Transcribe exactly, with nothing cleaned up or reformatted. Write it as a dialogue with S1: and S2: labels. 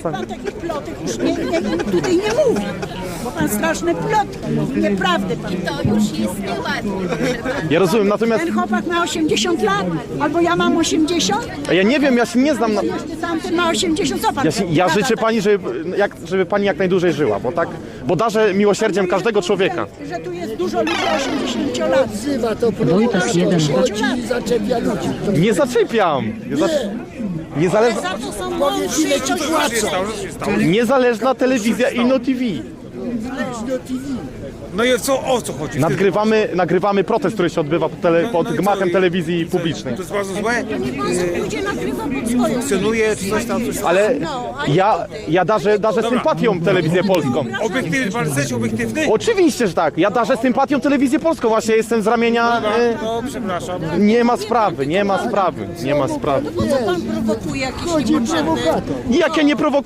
S1: czasami.
S2: Pan takich plotek już nie, nie, tutaj nie mówi, bo pan straszne plotki mówi, nieprawdy pan.
S3: To już jest nieładnie, proszę pana.
S1: Ja rozumiem, natomiast
S2: Ten chłopak ma osiemdziesiąt lat, albo ja mam osiemdziesiąt,
S1: a ja nie wiem, ja się nie znam na...
S2: jeszcze tamten ma osiemdziesiąt, co pan
S1: Ja, się, ja
S2: gada
S1: życzę
S2: tak?
S1: pani, żeby, jak, żeby pani jak najdłużej żyła, bo tak, bo darzę miłosierdziem każdego człowieka.
S2: Że, że tu jest dużo ludzi osiemdziesięciu lat.
S4: Wzywa to
S5: Wojtas jeden.
S4: chodzi i zaczepia ludzi. To
S1: Nie zaczepiam. Nie za, niezależna,
S2: Za to są
S4: powiedz, ile ci płacą.
S1: niezależna telewizja Inno T V.
S6: No i co, o co chodzi?
S1: Nagrywamy, nagrywamy protest, który się odbywa pod, tele, pod
S6: no i co?
S1: gmachem
S6: I-
S1: telewizji publicznej.
S6: To jest bardzo złe?
S2: Niech pan sobie pójdzie nagrywa pod swoją.
S6: Funkcjonuje, czy coś tam, coś tam?
S1: Ale ja, ja darzę, darzę sympatią telewizję polską.
S6: Obiektywny, pan jesteś obiektywny?
S1: Oczywiście, że tak. Ja darzę sympatią telewizję polską. Właśnie jestem z ramienia... E,
S6: No, przepraszam.
S1: nie ma sprawy, nie ma sprawy, nie ma sprawy.
S2: Po co pan prowokuje jakieś
S4: Chodzi
S2: niepotrzebne...
S4: prowokator.
S1: Jak ja nie prowokuję.